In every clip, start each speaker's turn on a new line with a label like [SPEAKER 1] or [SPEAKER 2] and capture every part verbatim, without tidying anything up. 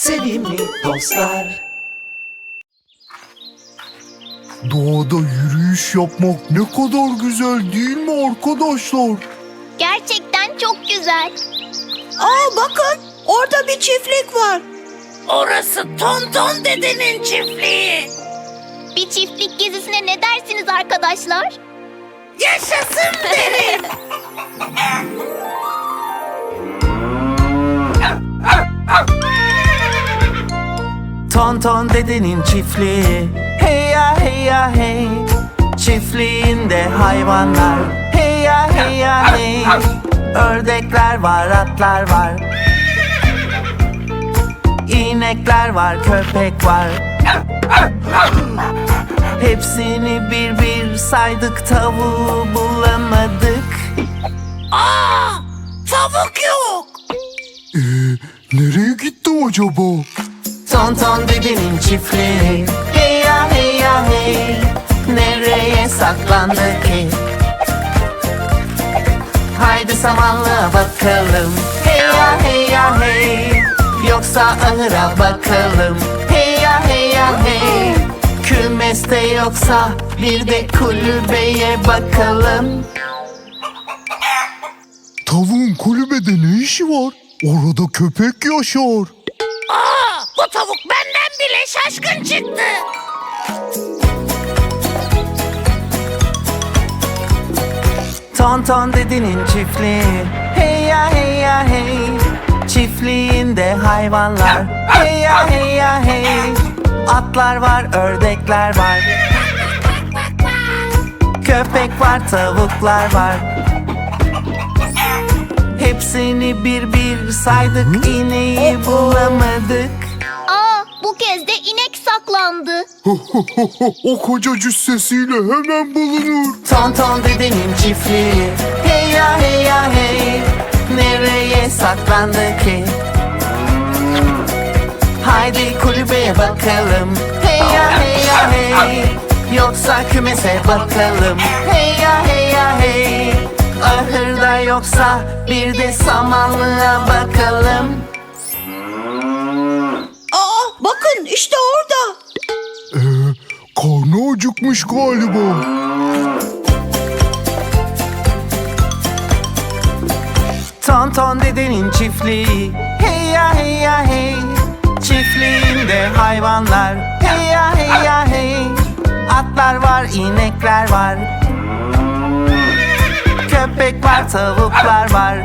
[SPEAKER 1] sevimli dostlar.
[SPEAKER 2] Doğada yürüyüş yapmak ne kadar güzel değil mi arkadaşlar?
[SPEAKER 3] Gerçekten çok güzel.
[SPEAKER 4] Aa bakın, orada bir çiftlik var.
[SPEAKER 5] Orası Tonton dedenin çiftliği.
[SPEAKER 3] Bir çiftlik gezisine ne dersiniz arkadaşlar?
[SPEAKER 5] Yaşasın derim.
[SPEAKER 1] Tonton dedenin çiftliği, hey ya hey ya hey. Çiftliğinde hayvanlar, hey ya hey ya hey. Ördekler var, atlar var, İnekler var, köpek var. Hepsini bir bir saydık, tavuğu bulamadık.
[SPEAKER 5] Aa, tavuk yok.
[SPEAKER 2] Ee, nereye gitti acaba?
[SPEAKER 1] Tonton dedenin çiftliği, hey ya hey ya hey. Nereye saklandı ki? Haydi samanlığa bakalım, hey ya hey ya hey. Yoksa ahıra bakalım, hey ya hey ya hey. Kümeste yoksa bir de kulübeye bakalım.
[SPEAKER 2] Tavuğun kulübede ne işi var? Orada köpek yaşar.
[SPEAKER 5] Aa, bu tavuk benden bile şaşkın çıktı.
[SPEAKER 1] Tonton dedenin çiftliği, hey ya hey ya hey. Çiftliğinde hayvanlar, hey ya hey ya hey. Atlar var, ördekler var, köpek var, tavuklar var. Hepsini bir bir saydık, ineği bulamadık.
[SPEAKER 3] Aa, bu kez de inek saklandı.
[SPEAKER 2] O koca cüssesiyle hemen bulunur.
[SPEAKER 1] Tonton dedenin çiftliği, hey ya hey ya hey. Nereye saklandı ki? Haydi kulübeye bakalım, hey ya hey ya hey. Yoksa kümese bakalım, hey ya hey ya hey. Ahırda yoksa bir de samanlığa bakalım.
[SPEAKER 4] Aa bakın, işte orada.
[SPEAKER 2] Ee, karnı acıkmış galiba.
[SPEAKER 1] Tonton dedenin çiftliği, hey ya hey ya hey. Çiftliğinde hayvanlar, hey ya hey ya hey. Atlar var, inekler var, köpek var, tavuklar var.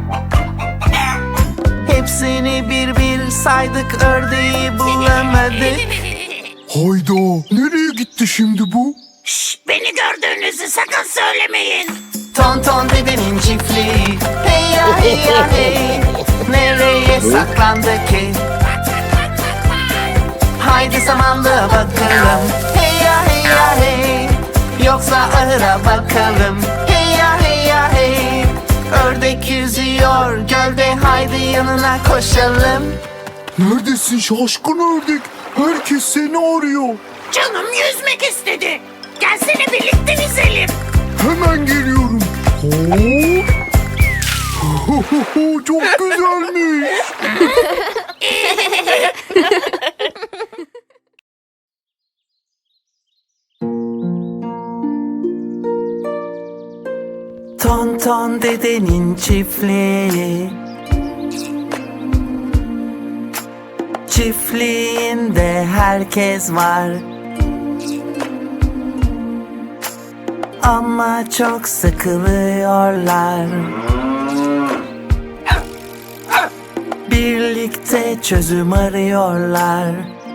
[SPEAKER 1] Hepsini bir bir saydık, ördeği bulamadık.
[SPEAKER 2] Hayda, nereye gitti şimdi bu?
[SPEAKER 5] Şş, beni gördüğünüzü sakın söylemeyin.
[SPEAKER 1] Tonton dedenin çiftliği, hey ya hey ya hey. Nereye saklandı ki? Haydi samanlığa bakalım, hey ya hey ya hey. Yoksa ahıra bakalım, hey ya hey ya hey. Ördek yüzüyor gölde, haydi yanına koşalım.
[SPEAKER 2] Neredesin şaşkın ördek? Herkes seni arıyor.
[SPEAKER 5] Canım yüzmek istedi. Gelsene birlikte yüzelim.
[SPEAKER 2] Hemen geliyorum. Hop. Çok güzelmiş.
[SPEAKER 1] Tonton dedenin çiftliği, çiftliğinde herkes var. Ama çok sıkılıyorlar. Birlikte çözüm arıyorlar.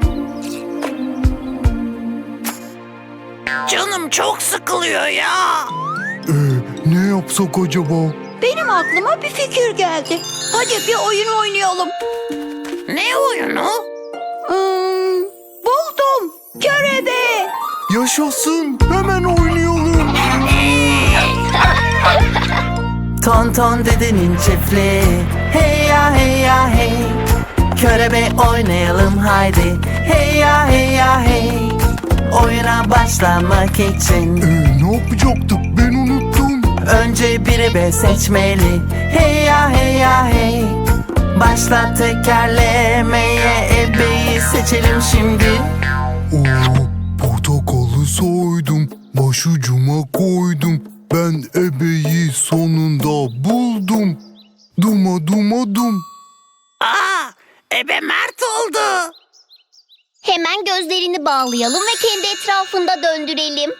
[SPEAKER 5] Canım çok sıkılıyor ya.
[SPEAKER 2] Ee, ne yapsak acaba?
[SPEAKER 4] Benim aklıma bir fikir geldi. Hadi bir oyun oynayalım.
[SPEAKER 5] Ne oyunu?
[SPEAKER 4] Hmm, buldum. Körebe.
[SPEAKER 2] Yaşasın, hemen oynayalım.
[SPEAKER 1] Tonton dedenin çiftliği, hey ya hey ya hey. Körebe oynayalım haydi, hey ya hey ya hey. Oyuna başlamak için
[SPEAKER 2] Ee, ne yapacaktık, ben unuttum.
[SPEAKER 1] önce bir ebe seçmeli, hey ya hey ya hey. Başla tekerlemeye, içelim şimdi.
[SPEAKER 2] Oo, portakalı soydum, başucuma koydum. Ben ebeyi sonunda buldum. Duma duma dum.
[SPEAKER 5] Aa, ebe Mert oldu.
[SPEAKER 3] Hemen gözlerini bağlayalım ve kendi etrafında döndürelim.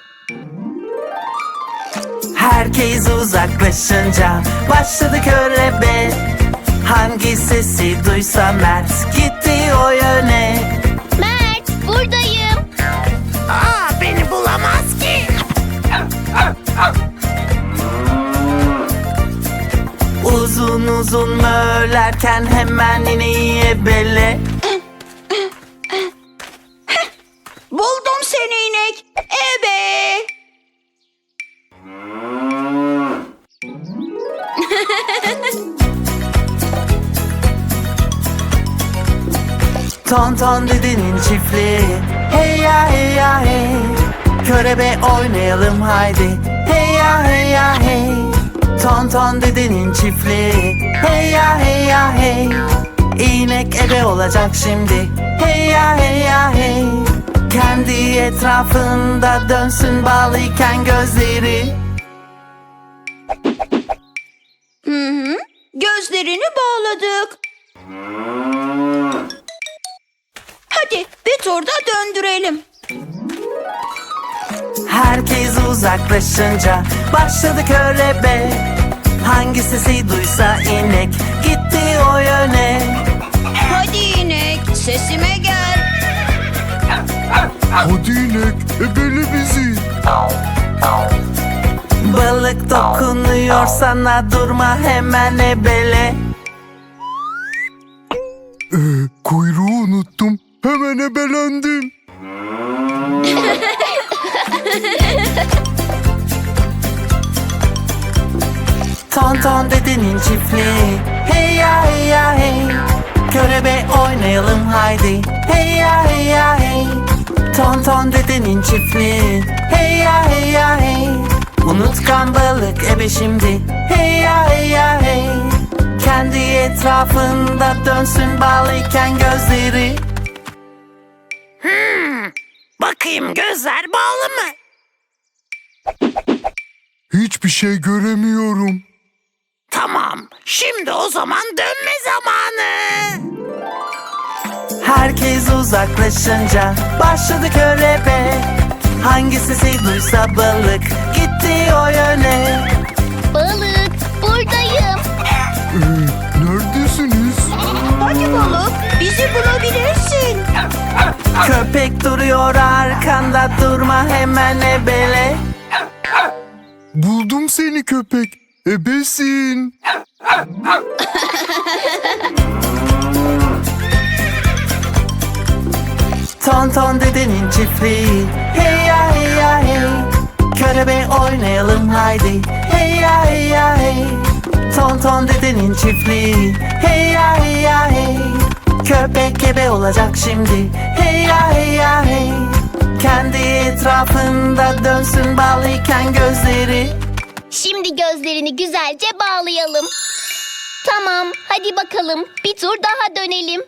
[SPEAKER 1] Herkes uzaklaşınca başladı körebe. Hangi sesi duysa Mert gitti o yöne.
[SPEAKER 3] Mert, buradayım.
[SPEAKER 5] Aa, beni bulamaz ki.
[SPEAKER 1] Uzun uzun mörlerken hemen ineği ebele.
[SPEAKER 4] Buldum seni inek. Ebe.
[SPEAKER 1] Ton ton dedenin çiftliği. Hey ya hey ya hey. Körebe oynayalım haydi. Hey ya hey ya hey. Ton ton dedenin çiftliği. Hey ya hey ya hey. İnek ebe olacak şimdi. Hey ya hey ya hey. Kendi etrafında dönsün bağlıyken gözleri.
[SPEAKER 4] Hı hı. Gözlerini bağladık. Hadi bir turda döndürelim.
[SPEAKER 1] Herkes uzaklaşınca başladı körebe. Hangi sesi duysa inek gitti o yöne.
[SPEAKER 4] Hadi inek sesime gel.
[SPEAKER 2] Hadi inek, ebele bizi.
[SPEAKER 1] Balık dokunuyor sana, durma hemen ebele.
[SPEAKER 2] Ee, kuyruğu unuttum, hemen ebelendim.
[SPEAKER 1] Ton ton dedenin çiftliği. Hey ya hey ya hey. Körebe oynayalım haydi. Hey ya hey ya hey. Ton ton dedenin çiftliği. Hey ya hey ya hey. Unutkan balık ebe şimdi. Hey ya hey ya hey. Kendi etrafında dönsün bağlıyken gözleri.
[SPEAKER 5] Hmm, bakayım gözler bağlı mı?
[SPEAKER 2] Hiçbir şey göremiyorum.
[SPEAKER 5] Tamam, şimdi o zaman dönme zamanı.
[SPEAKER 1] Herkes uzaklaşınca başladı körebe. Hangi sesi duysa balık gitti o yöne.
[SPEAKER 3] Balık, buradayım.
[SPEAKER 2] Ee, neredesiniz?
[SPEAKER 4] Hadi balık bizi bulabilirsin.
[SPEAKER 1] Köpek duruyor arkanda, durma hemen ebele.
[SPEAKER 2] Buldum seni köpek, ebesin.
[SPEAKER 1] Ton ton dedenin çiftliği. Hey ya hey ya hey. Körebe oynayalım haydi. Hey ya hey ya hey. Ton ton dedenin çiftliği. Hey ya hey ya hey. Köpek ebe olacak şimdi. Hey ya hey ya hey. Kendi etrafında dönsün bağlıyken gözleri.
[SPEAKER 3] Şimdi gözlerini güzelce bağlayalım. Tamam, hadi bakalım. Bir tur daha dönelim.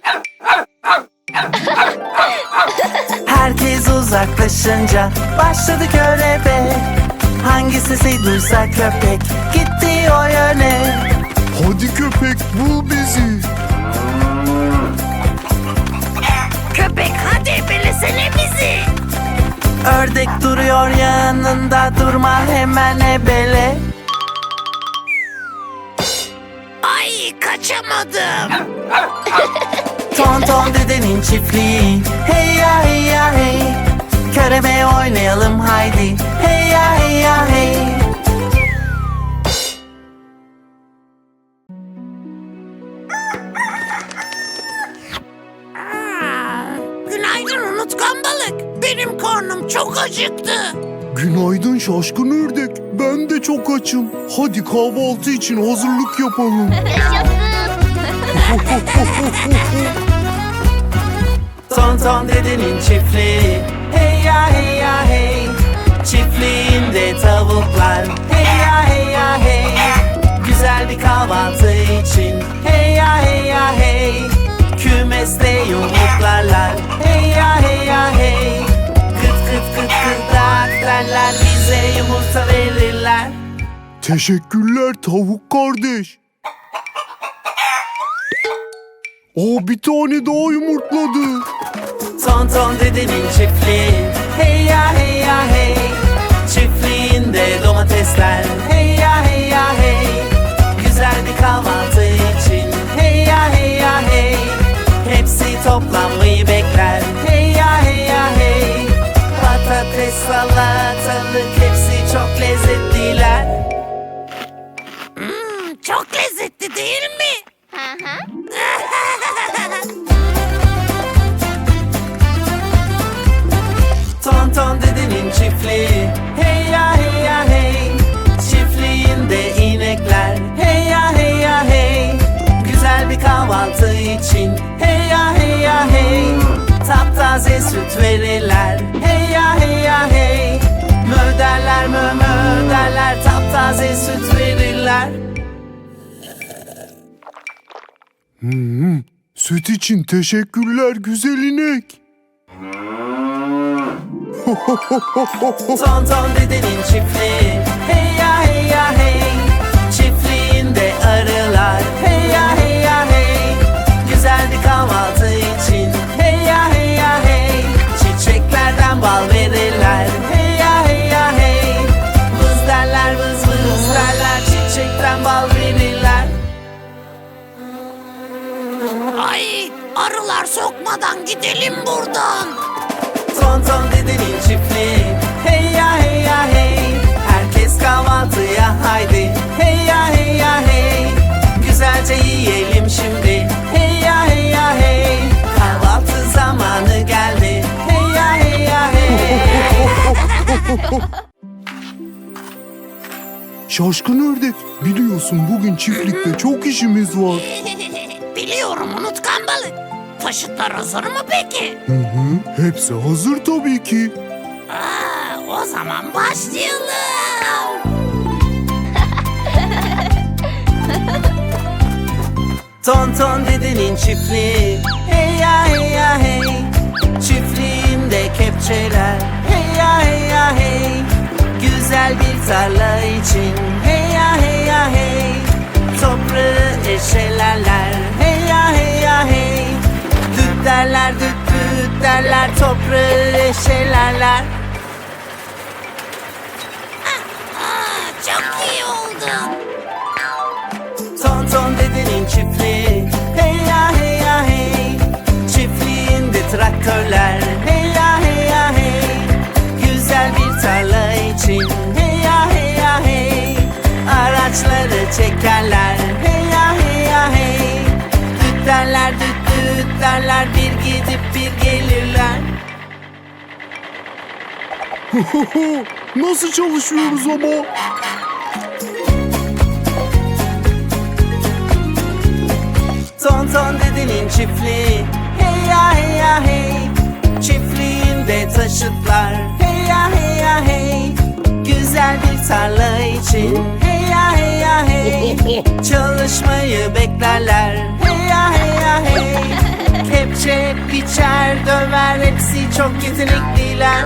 [SPEAKER 1] Herkes uzaklaşınca başladı körebe. Hangi sesi duysa köpek gitti o yöne.
[SPEAKER 2] Hadi köpek, bul bizi.
[SPEAKER 5] Köpek hadi ebelesene bizi.
[SPEAKER 1] Ördek duruyor yanında, durma hemen ebele.
[SPEAKER 5] Ay kaçamadım.
[SPEAKER 1] Ton ton dedenin çiftliği. Hey ya hey ya hey. Körebe oynayalım haydi. Hey ya hey ya hey.
[SPEAKER 5] Aa, günaydın unutkan balık. Benim karnım çok acıktı.
[SPEAKER 2] Günaydın şaşkın ördek, ben de çok açım. Hadi kahvaltı için hazırlık yapalım.
[SPEAKER 3] Yaşasın.
[SPEAKER 1] Ton ton dedenin çiftliği. Hey ya hey ya hey. Çiftliğinde tavuklar. Hey ya hey ya hey. Güzel bir kahvaltı için. Hey ya hey ya hey. Kümeste yumurtlarlar. Hey ya hey ya hey. Kıt kıt kıt kıdak derler, bize yumurta verirler.
[SPEAKER 2] Teşekkürler tavuk kardeş. Aa, bir tane daha yumurtladı.
[SPEAKER 1] Tonton dedenin çiftliği. Hey ya hey ya hey. Çiftliğinde domatesler. Hey ya hey ya hey. Güzel bir kahvaltı için. Hey ya hey ya hey. Hepsi toplanmayı bekler. Hey ya hey ya hey. Patates, salatalık, hepsi çok lezzetliler.
[SPEAKER 5] Hmm, çok lezzetli değil mi?
[SPEAKER 3] Hı hı.
[SPEAKER 1] Tonton dedenin çiftliği. Hey ya hey ya hey. Çiftliğinde inekler. Hey ya hey ya hey. Güzel bir kahvaltı için. Hey ya hey ya hey. Taptaze süt verirler. Hey ya hey ya hey. Mö derler, mö mö derler. Taptaze süt verirler.
[SPEAKER 2] Hmm, süt için teşekkürler güzel inek.
[SPEAKER 1] Tonton dedenin çiftliği. Hey ya hey ya hey. Çiftliğinde arılar. Hey ya hey ya hey. Güzel bir kahvaltı için. Hey ya hey ya hey. Çiçeklerden bal verirler. Hey ya hey ya hey. Vız derler, vız vız derler. Çiçekten bal verirler.
[SPEAKER 5] Ay, arılar sokmadan gidelim buradan.
[SPEAKER 1] Tonton dedenin çiftliği. Hey ya hey ya hey. Herkes kahvaltıya haydi. Hey ya hey ya hey. Güzelce yiyelim şimdi. Hey ya hey ya hey. Kahvaltı zamanı geldi. Hey ya hey ya hey.
[SPEAKER 2] Şaşkın ördek, biliyorsun bugün çiftlikte çok işimiz var.
[SPEAKER 5] Biliyorum unutkan balık. Taşıtlar hazır mı peki?
[SPEAKER 2] Hı hı, hepsi hazır tabii ki.
[SPEAKER 5] Aa, o zaman başlayalım.
[SPEAKER 1] Tonton dedenin çiftliği. Hey ya hey ya hey. Çiftliğinde kepçeler. Hey ya hey ya hey. Güzel bir tarla için. Hey ya hey ya hey. Toprağı eşelerler. Hey ya hey ya hey. Düt derler, düt düt derler. Toprağı eşelerler.
[SPEAKER 5] Aa, çok iyi oldu.
[SPEAKER 1] Tonton dedenin çiftliği. Hey ya hey ya hey. Çiftliğinde traktörler. Hey ya hey ya hey. Güzel bir tarla için. Hey ya hey ya hey. Araçları çekerler. Hey ya hey ya hey. Düt derler, düt düt derler. Bir gidip bir gelirler.
[SPEAKER 2] Nasıl çalışıyoruz ama?
[SPEAKER 1] Tonton dedenin çiftliği. Hey ya hey ya hey. Çiftliğinde taşıtlar. Hey ya hey ya hey. Güzel bir tarla için. Hey ya hey ya hey. Çalışmayı beklerler. Hey ya hey ya hey. Kepçe, biçer, döver, hepsi çok yetenekliler.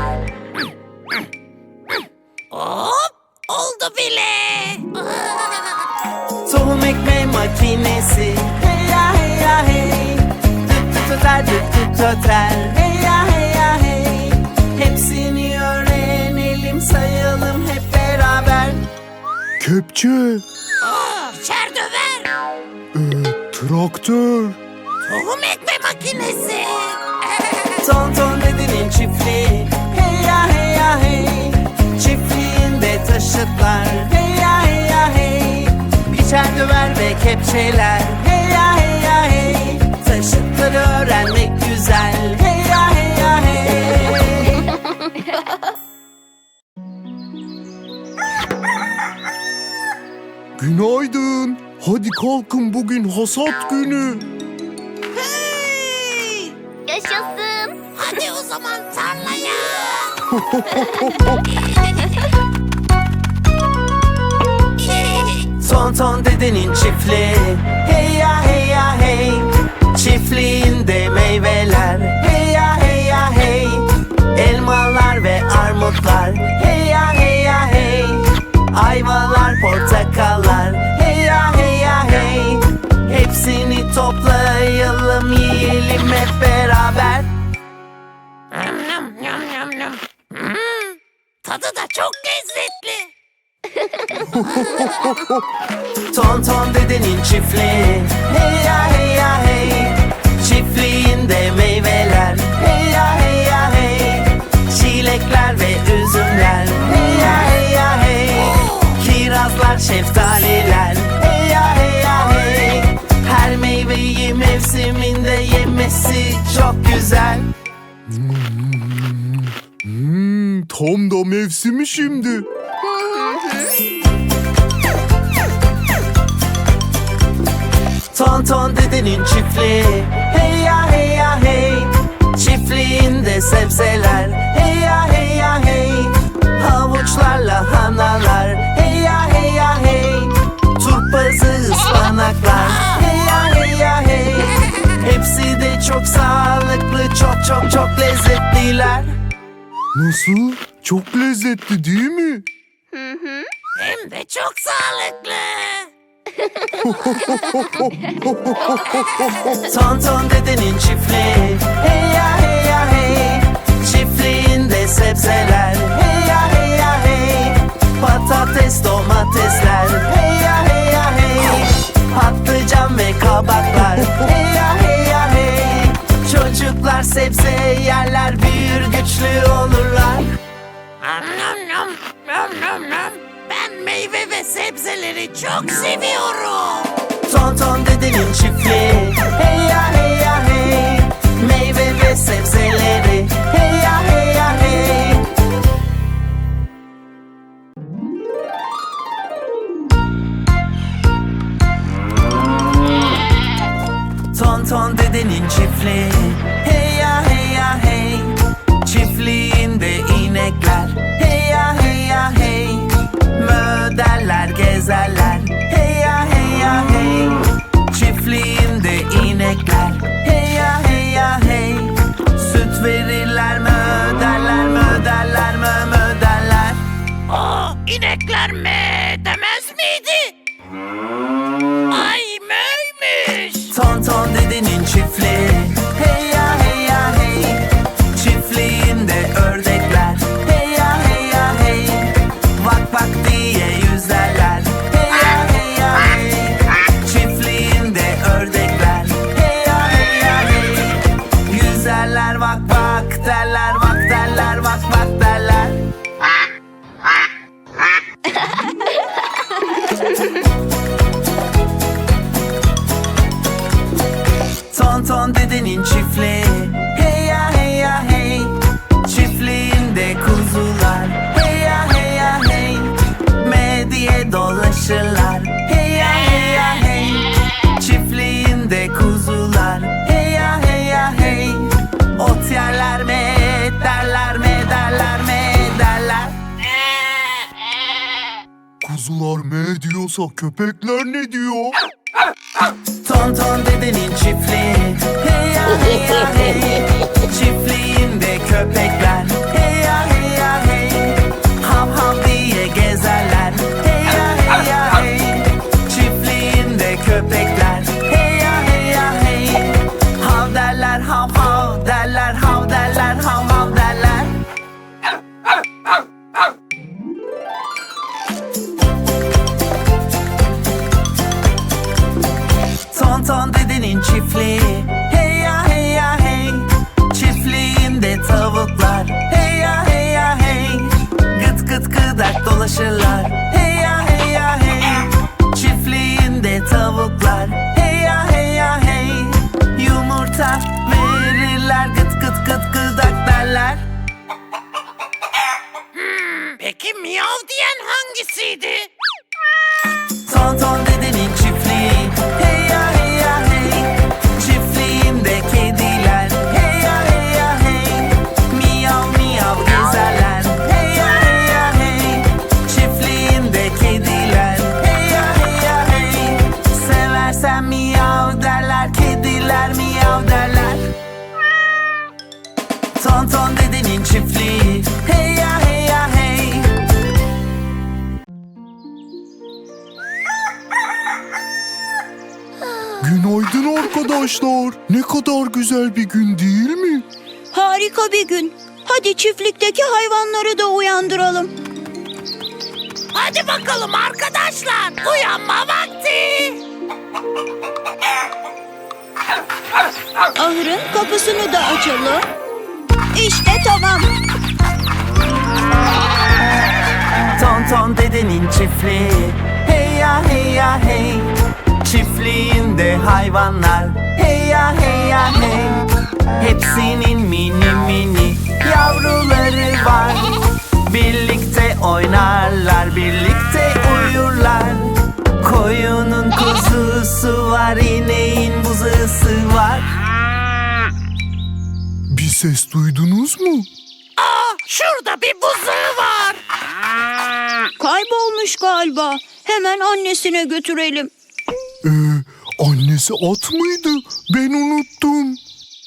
[SPEAKER 5] Hop, oldu bile.
[SPEAKER 1] Tohum ekme makinesi. Hey ya hey ya hey. Düt düt öter, düt düt öter. Hey ya hey ya hey. Hepsini öğrenelim, sayalım hep beraber.
[SPEAKER 2] Kepçe,
[SPEAKER 5] Aa, çerdöver.
[SPEAKER 2] e, traktör,
[SPEAKER 5] Tohum ekme makinesi.
[SPEAKER 1] Tonton dedenin çiftliği. Hey ya hey ya hey. Çiftliğinde taşıtlar. Hey ya hey ya hey. Biçer, döver ve kepçeler. Hey ya hey ya hey. Taşıtları öğrenmek güzel. Hey ya hey ya hey.
[SPEAKER 2] günaydın. Hadi kalkın, bugün hasat günü.
[SPEAKER 5] Hey!
[SPEAKER 3] Yaşasın.
[SPEAKER 5] Hadi o zaman tarlaya.
[SPEAKER 1] Tonton dedenin çiftliği. Hey ya hey ya hey. Çiftliğinde meyveler. Hey ya hey ya hey. Elmalar ve armutlar. Hey ya hey ya hey. Ayvalar, portakallar. Hey ya hey ya hey. Hepsini toplayalım, yiyelim hep beraber.
[SPEAKER 5] Yum, yum, yum, yum, yum. Hmm, tadı da çok lezzetli.
[SPEAKER 1] Tonton dedenin çiftliği. Hey ya hey ya hey. Çiftliğinde meyveler. Hey ya hey ya hey. Çilekler ve üzümler. Hey ya hey ya hey. Kirazlar, şeftaliler. Hey ya hey ya hey. Her meyveyi mevsiminde yemesi çok güzel.
[SPEAKER 2] Hmm, tam da mevsimi şimdi.
[SPEAKER 1] Tonton dedenin çiftliği. Hey ya hey ya hey. Çiftliğinde sebzeler. Hey ya hey ya hey. Havuçlar, lahanalar. Hey ya hey ya hey. Turpazı, ıspanaklar. Hey ya hey ya hey. Hepsi de çok sağlıklı, çok çok çok lezzetliler.
[SPEAKER 2] Nasıl? Çok lezzetli değil mi?
[SPEAKER 5] Hem de çok sağlıklı.
[SPEAKER 1] Tonton dedenin çiftliği. Hey ya hey ya hey. Çiftliğinde sebzeler. Hey ya hey ya hey. Patates, domatesler. Hey ya hey ya hey. Patlıcan ve kabaklar. Hey ya hey ya hey. Çocuklar sebze yerler, büyür güçlü olurlar.
[SPEAKER 5] Nom nom nom, nom nom nom. Ben meyve ve sebzeleri çok seviyorum.
[SPEAKER 1] Tonton dedenin çiftliği. Hey ya hey ya hey. Meyve ve sebzeleri. Hey ya hey ya hey. Tonton dedenin çiftliği. Hey ya hey ya hey. Çiftliğinde inekler. Hey ya hey ya hey. Mö derler, gezerler. Hey ya hey ya hey. Çiftliğinde inekler. Hey ya hey ya hey. Süt verirler, mö derler, mö derler, mö mö derler.
[SPEAKER 5] Aa, inekler me demez miydi? Ay möymüş.
[SPEAKER 1] Tonton dedenin çiftliği. Hey ya hey ya hey. Çiftliğinde ördekler. Hey ya hey ya hey. Vak vak diye yüzerler. Hey ya hey ya hey. Çiftliğinde ördekler. Hey ya hey ya hey. Yüzerler, vak vak derler, vak derler, vak vak derler. Tonton dedenin çiftliği. Hey ya hey ya hey. Çiftliğinde kuzular. Hey ya hey ya hey. Me diye dolaşırlar. Hey ya hey ya hey. Çiftliğinde kuzular. Hey ya hey ya hey. Ot yerler, me derler, me derler, me derler.
[SPEAKER 2] Kuzular me diyorsa köpekler ne diyor?
[SPEAKER 1] Tonton dedenin çiftliği. Hey ya hey ya hey. Çiftliğinde köpekler. Hey ya hey ya hey. Hav hav diye gezerler. Hey ya hey ya hey. Çiftliğinde köpekler. Hey ya hey ya hey. Hav derler, hav hav derler, hav derler, hav hav derler. Tonton dedenin çiftliği. Hey ya hey ya hey. Çiftliğinde tavuklar. Hey ya hey ya hey. Gıt gıt gıdak dolaşırlar. Hey ya hey ya hey. Çiftliğinde tavuklar. Hey ya hey ya hey. Yumurta verirler, gıt gıt gıt gıdak derler.
[SPEAKER 5] Peki miyav diyen hangisiydi?
[SPEAKER 1] Tonton dedenin çiftliği. Hey ya hey ya hey. Çiftliğinde kediler. Hey ya hey ya hey. Miyav miyav gezerler. Hey ya hey ya hey. Çiftliğinde Tonton dedenin çiftliği. Hey ya hey ya hey.
[SPEAKER 2] Günaydın arkadaşlar. Ne kadar güzel bir gün değil mi?
[SPEAKER 4] Harika bir gün. Hadi çiftlikteki hayvanları da uyandıralım.
[SPEAKER 5] Hadi bakalım arkadaşlar, uyanma vakti.
[SPEAKER 4] Ahırın kapısını da açalım. İşte tamam.
[SPEAKER 1] Tonton dedenin çiftliği. Hey ya hey ya hey. Çiftliğinde hayvanlar. Hey ya hey ya hey. Hepsinin mini mini yavruları var. Birlikte oynarlar, birlikte uyurlar. Koyunun kuzusu var, ineğin buzusu var.
[SPEAKER 2] Bir ses duydunuz mu?
[SPEAKER 5] Aa, şurada bir buzağı var.
[SPEAKER 4] Kaybolmuş galiba. Hemen annesine götürelim.
[SPEAKER 2] Ee, annesi at mıydı? Ben unuttum.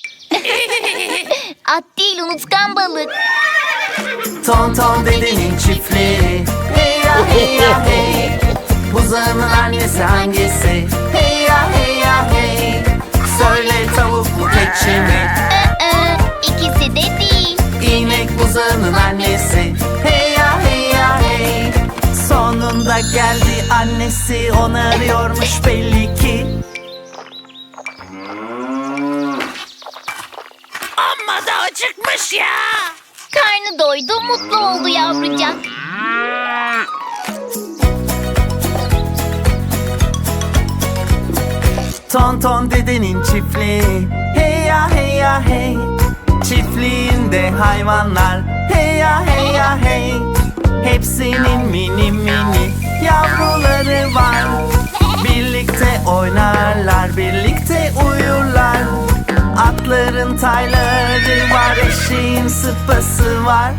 [SPEAKER 3] At değil, unutkan balık.
[SPEAKER 1] Tonton dedenin çiftliği. Hey ya hey ya hey. Buzağının annesi hangisi? Hey ya hey ya hey. Söyle tavuk mu keçi mi?
[SPEAKER 3] Ee, ikisi de değil.
[SPEAKER 1] İnek buzağının annesi. Hey ya hey ya hey. Sonunda geldi annesi, onu arıyormuş belli ki.
[SPEAKER 5] Amma da acıkmış ya.
[SPEAKER 3] Karnı doydu, mutlu oldu yavrucak.
[SPEAKER 1] Tonton dedenin çiftliği. Hey ya hey ya hey. Çiftliğinde hayvanlar. Hey ya hey ya hey. Hepsinin mini mini yavruları var. Birlikte oynarlar, birlikte uyurlar. Atların tayları var, eşeğin sıpası var.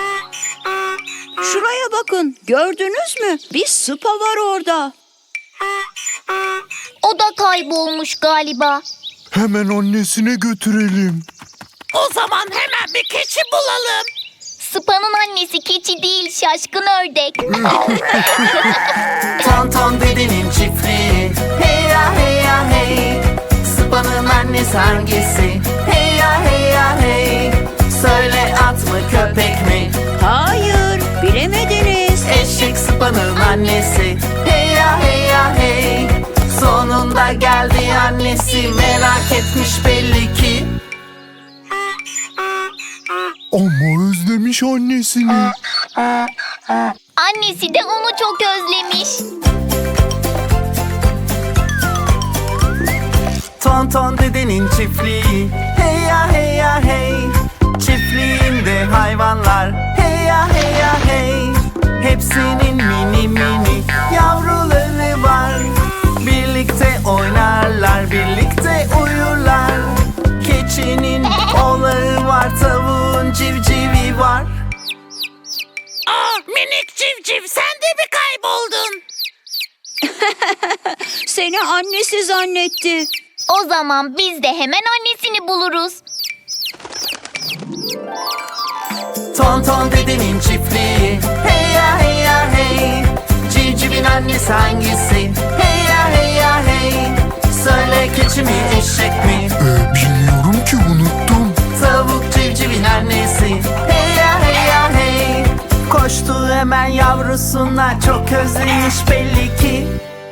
[SPEAKER 4] Şuraya bakın. Gördünüz mü? Bir sıpa var orada.
[SPEAKER 3] O da kaybolmuş galiba.
[SPEAKER 2] Hemen annesine götürelim.
[SPEAKER 5] O zaman hemen bir keçi bulalım.
[SPEAKER 3] Sıpanın annesi keçi değil, şaşkın ördek.
[SPEAKER 1] Tonton dedenin çiftliği. Hey ya hey ya hey. Sıpanın annesi hangisi? Hey ya hey ya hey. Söyle at mı köpek mi?
[SPEAKER 4] Hayır, bilemediniz.
[SPEAKER 1] Eşek sıpanın annesi. Hey ya hey ya hey. Sonunda geldi annesi, merak etmiş belli ki.
[SPEAKER 2] Ama özlemiş annesini.
[SPEAKER 3] Annesi de onu çok özlemiş.
[SPEAKER 1] Tonton dedenin çiftliği. Hey ya hey ya hey. Çiftliğinde hayvanlar. Hey ya hey ya hey. Hepsinin mini mini yavruları var. Birlikte oynarlar, birlikte uyurlar. Keçinin oğlağı var, tavuğun civcivi var.
[SPEAKER 5] Aa, minik civciv, sen de mi kayboldun?
[SPEAKER 4] Seni annesi zannetti.
[SPEAKER 3] O zaman biz de hemen annesini buluruz.
[SPEAKER 1] Tonton dedenin çiftliği. Hey ya hey ya hey. Civcivin annesi hangisi? Hey ya hey ya hey. Söyle keçi mi eşek mi?
[SPEAKER 2] Ee, bilmiyorum ki, unuttum.
[SPEAKER 1] Tavuk civcivin annesi. Hey ya hey ya hey. Koştu hemen yavrusuna, çok özlemiş belli ki.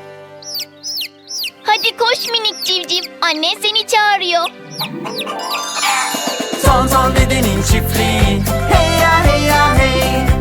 [SPEAKER 3] Hadi koş minik civciv, annen seni çağırıyor.
[SPEAKER 1] Tonton dedenin çiftliği. Hey ya hey ya hey.